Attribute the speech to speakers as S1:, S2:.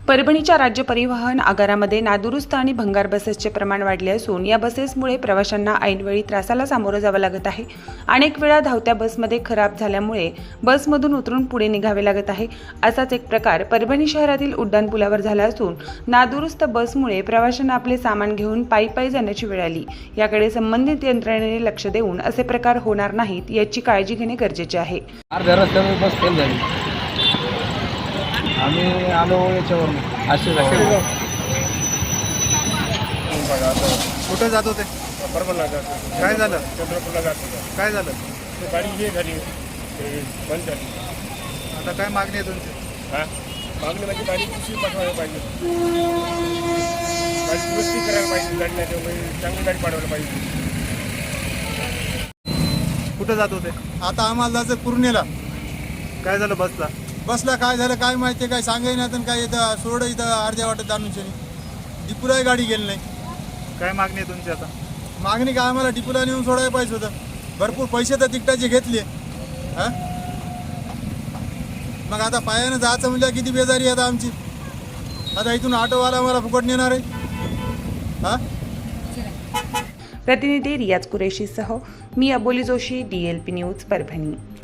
S1: परभणीच्या राज्य परिवहन आगारामध्ये नादुरुस्त आणि भंगार बसेसचे प्रमाण वाढले असून या बसेसमुळे प्रवाशांना ऐनवेळी त्रासाला सामोरं जावं लागत आहे। अनेक वेळा धावत्या बसमध्ये खराब झाल्यामुळे बसमधून उतरून पुढे निघावे लागत आहे। असाच एक प्रकार परभणी शहरातील उड्डाणपुलावर झाला असून नादुरुस्त बसमुळे प्रवाशांना आपले सामान घेऊन पायी जाण्याची वेळ आली। याकडे संबंधित यंत्रणेने लक्ष देऊन असे प्रकार होणार नाहीत याची काळजी घेणे गरजेचे आहे।
S2: अर्ध्या रस्त्यावर बस फेल झाली। आम्ही आलो याच्यावरून असे
S3: कुठं जात होते?
S4: परभणीला जातो।
S3: काय झालं?
S4: चंद्रपूरला जातो।
S3: काय झालं?
S4: ते गाडी हे झाली, ते बंद झाली।
S3: आता काय मागणी आहे तुमची?
S4: हां, मागणी म्हणजे गाडी दुसरी पाठवायला पाहिजे, गाडी दुरुस्ती करायला पाहिजे, गाडी नाही तर चांगली गाडी पाठवायला पाहिजे।
S3: कुठं जात होते?
S5: आता आम्हाला जायचं पूर्णेला।
S3: काय झालं बसला?
S5: बसला काय झालं काय माहिती, काय सांगाय नाही, काय इथं सोड इथं अर्ध्या वाटत आणून डिपूलाही गाडी गेली नाही।
S3: काय मागणी आहे तुमची आता?
S5: मागणी काय, आम्हाला डिपूला नेऊन सोडायला पाहिजे होतं। भरपूर पैसे तर तिकटाचे घेतले। हां, मग आता पायानं जायचं म्हणजे किती बेजारी आता आमची। आता इथून ऑटोवाला मला फुकट नेणार आहे। हां,
S1: प्रतिनिधी रियाज कुरेशीसह मी अबोली जोशी, DLP न्यूज परभणी।